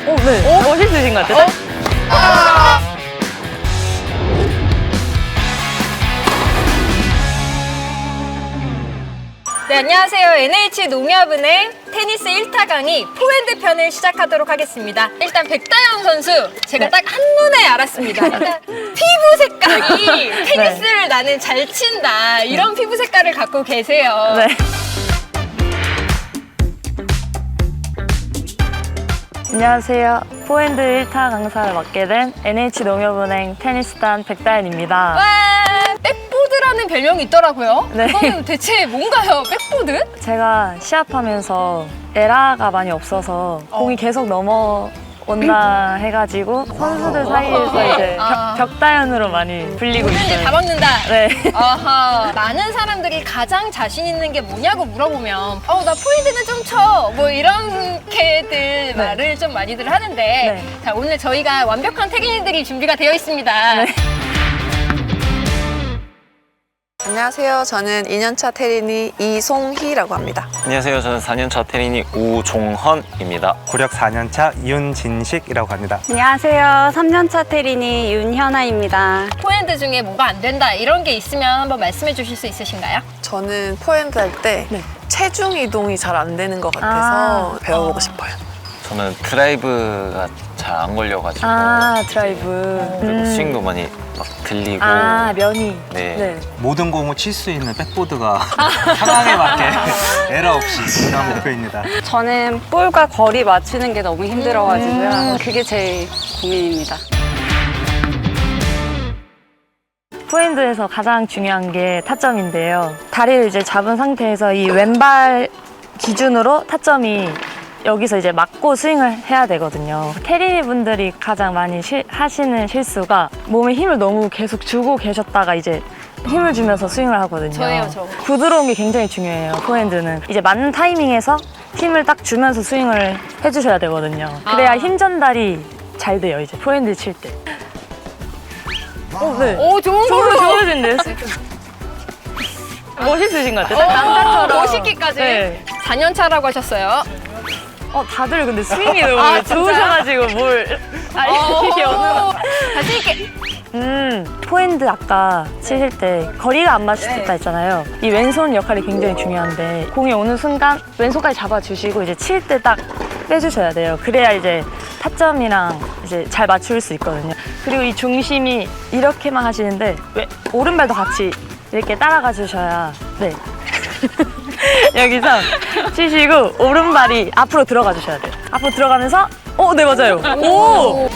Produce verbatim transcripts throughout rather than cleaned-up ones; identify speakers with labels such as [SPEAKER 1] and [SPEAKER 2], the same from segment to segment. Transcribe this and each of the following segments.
[SPEAKER 1] 오, 네. 오? 멋있으신 것 같아요. 어? 아!
[SPEAKER 2] 네, 안녕하세요. 엔에이치 농협은행 테니스 일 타 강의 포핸드 편을 시작하도록 하겠습니다. 일단 백다현 선수, 제가
[SPEAKER 1] 네.
[SPEAKER 2] 딱 한눈에 알았습니다. 일단 피부 색깔이 테니스를
[SPEAKER 1] 네.
[SPEAKER 2] 나는 잘 친다, 이런 피부 색깔을 갖고 계세요.
[SPEAKER 1] 네. 안녕하세요. 포핸드 일 타 강사를 맡게 된 엔에이치 농협은행 테니스단 백다현입니다.
[SPEAKER 2] 와, 백보드라는 별명이 있더라고요.
[SPEAKER 1] 네.
[SPEAKER 2] 그거는 대체 뭔가요, 백보드?
[SPEAKER 1] 제가 시합하면서 에라가 많이 없어서 공이 계속 넘어온다 해가지고 선수들 사이에서 이제
[SPEAKER 2] 아.
[SPEAKER 1] 벽, 벽다현으로 많이 불리고
[SPEAKER 2] 이제
[SPEAKER 1] 있어요.
[SPEAKER 2] 다 먹는다.
[SPEAKER 1] 네.
[SPEAKER 2] 아하, 많은 사람들이 가장 자신 있는 게 뭐냐고 물어보면 어, 나 포핸드는 좀 쳐. 뭐 이렇게들 말을 좀 많이들 하는데
[SPEAKER 1] 네.
[SPEAKER 2] 자, 오늘 저희가 완벽한 태기인들이 준비가 되어 있습니다.
[SPEAKER 1] 네.
[SPEAKER 3] 안녕하세요. 저는 이 년차 테린이 이송희라고 합니다.
[SPEAKER 4] 안녕하세요. 저는 사 년차 테린이 우종헌입니다.
[SPEAKER 5] 구력 사 년차 윤진식이라고 합니다.
[SPEAKER 6] 안녕하세요. 삼 년차 테린이 윤현아입니다.
[SPEAKER 2] 포핸드 중에 뭐가 안 된다 이런 게 있으면 한번 말씀해 주실 수 있으신가요?
[SPEAKER 3] 저는 포핸드 할 때
[SPEAKER 1] 네.
[SPEAKER 3] 체중 이동이 잘 안 되는 것 같아서
[SPEAKER 1] 아.
[SPEAKER 3] 배워보고
[SPEAKER 2] 어.
[SPEAKER 3] 싶어요.
[SPEAKER 4] 저는 드라이브가 잘 안 걸려가지고
[SPEAKER 1] 아, 드라이브.
[SPEAKER 4] 그리고
[SPEAKER 1] 음.
[SPEAKER 4] 스윙도 많이 막 들리고
[SPEAKER 1] 아, 면이.
[SPEAKER 4] 네.
[SPEAKER 5] 모든 공을 칠 수 있는 백보드가 상황에 맞게 에러 없이 그런 목표입니다.
[SPEAKER 6] 저는 볼과 거리 맞추는 게 너무 힘들어가지고요. 그게 제일 고민입니다.
[SPEAKER 1] 포핸드에서 가장 중요한 게 타점인데요. 다리를 이제 잡은 상태에서 이 왼발 기준으로 타점이 여기서 이제 맞고 스윙을 해야 되거든요. 테린이 분들이 가장 많이 실, 하시는 실수가 몸에 힘을 너무 계속 주고 계셨다가 이제 힘을 주면서 스윙을 하거든요.
[SPEAKER 2] 저예요, 저.
[SPEAKER 1] 부드러운 게 굉장히 중요해요, 포핸드는. 이제 맞는 타이밍에서 힘을 딱 주면서 스윙을 해주셔야 되거든요. 그래야
[SPEAKER 2] 아.
[SPEAKER 1] 힘 전달이 잘 돼요, 이제 포핸드 칠 때. 오, 네.
[SPEAKER 2] 오, 좋은
[SPEAKER 1] 좋은,
[SPEAKER 2] 걸로.
[SPEAKER 1] 좋으신데요? 멋있으신 것 같아요. 딱 남자처럼.
[SPEAKER 2] 멋있기까지.
[SPEAKER 1] 네.
[SPEAKER 2] 사 년 차라고 하셨어요.
[SPEAKER 1] 어, 다들 근데 스윙이 너무
[SPEAKER 2] 아, 진짜요?
[SPEAKER 1] 좋으셔가지고 뭘. 아, 이게 어느.
[SPEAKER 2] 자신 있게.
[SPEAKER 1] 음, 포핸드 아까 치실 때 거리가 안 맞으셨다 했잖아요. 이 왼손 역할이 굉장히 중요한데 공이 오는 순간 왼손까지 잡아주시고 이제 칠 때 딱 빼주셔야 돼요. 그래야 이제 타점이랑 이제 잘 맞출 수 있거든요. 그리고 이 중심이 이렇게만 하시는데 왜 오른발도 같이 이렇게 따라가 주셔야 네. 여기서 치시고 오른발이 앞으로 들어가 주셔야 돼요. 앞으로 들어가면서 어, 네 맞아요. 오!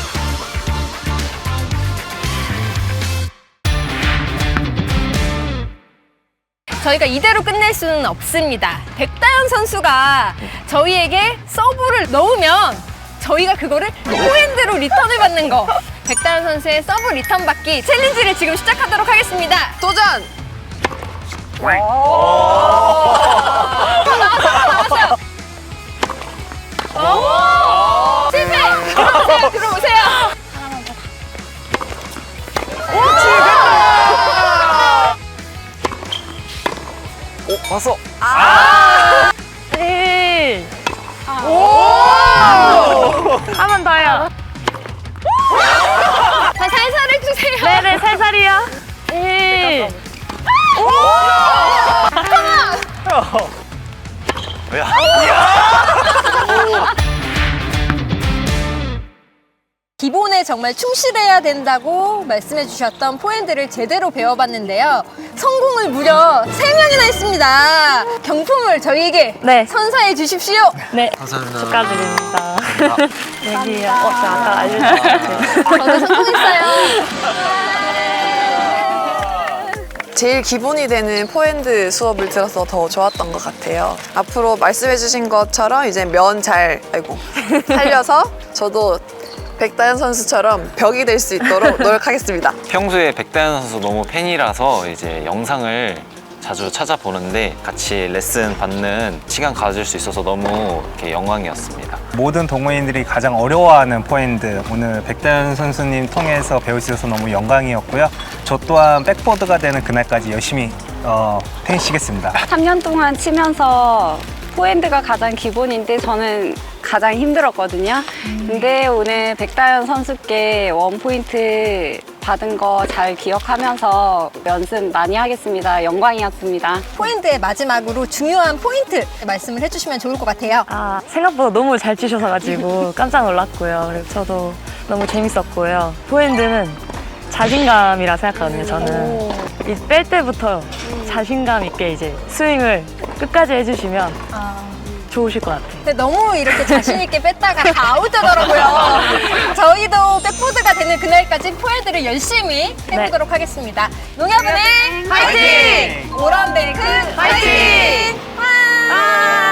[SPEAKER 2] 저희가 이대로 끝낼 수는 없습니다. 백다현 선수가 저희에게 서브를 넣으면 저희가 그거를 포핸드로 리턴을 받는 거. 백다현 선수의 서브 리턴 받기 챌린지를 지금 시작하도록 하겠습니다.
[SPEAKER 3] 도전!
[SPEAKER 2] 나왔어요, 나왔어요. 실패! 들어오세요, 들어오세요.
[SPEAKER 4] 오, 봤어!
[SPEAKER 1] 에이. 한 번 더요.
[SPEAKER 2] 자, 살살 해주세요.
[SPEAKER 1] 네네, 살살이요. 에이.
[SPEAKER 4] 야,
[SPEAKER 2] 기본에 정말 충실해야 된다고 말씀해 주셨던 포핸드를 제대로 배워봤는데요. 성공을 무려 세 명이나 했습니다. 경품을 저희에게
[SPEAKER 1] 네.
[SPEAKER 2] 선사해 주십시오.
[SPEAKER 1] 네.
[SPEAKER 4] 감사합니다.
[SPEAKER 1] 축하드립니다. 여기요. 어, 저 아까 알려주셨는데.
[SPEAKER 2] 저도 성공했어요.
[SPEAKER 3] 제일 기본이 되는 포핸드 수업을 들어서 더 좋았던 것 같아요. 앞으로 말씀해주신 것처럼 이제 면 잘, 아이고, 살려서 저도 백다현 선수처럼 벽이 될 수 있도록 노력하겠습니다.
[SPEAKER 4] 평소에 백다현 선수 너무 팬이라서 이제 영상을 자주 찾아보는데 같이 레슨 받는 시간 가질 수 있어서 너무 이렇게 영광이었습니다.
[SPEAKER 5] 모든 동호인들이 가장 어려워하는 포핸드 오늘 백다현 선수님 통해서 배울 수 있어서 너무 영광이었고요. 저 또한 백보드가 되는 그날까지 열심히 어, 테니스 치겠습니다.
[SPEAKER 6] 삼 년 동안 치면서 포핸드가 가장 기본인데 저는 가장 힘들었거든요. 근데 오늘 백다현 선수께 원포인트 받은 거 잘 기억하면서 연습 많이 하겠습니다. 영광이었습니다.
[SPEAKER 2] 포핸드의 마지막으로 중요한 포인트 말씀을 해주시면 좋을 것 같아요.
[SPEAKER 1] 아, 생각보다 너무 잘 치셔서 가지고 깜짝 놀랐고요. 그리고 저도 너무 재밌었고요. 포핸드는 자신감이라 생각하거든요, 저는. 이 뺄 때부터 자신감 있게 이제 스윙을 끝까지 해주시면 좋으실 것 같아요.
[SPEAKER 2] 근데 너무 이렇게 자신있게 뺐다가 다 아웃되더라고요. 저희도 백보드가 되는 그날까지 포핸드를 열심히 해보도록 하겠습니다. 농협은행 화이팅! 오런뱅크 화이팅! 와!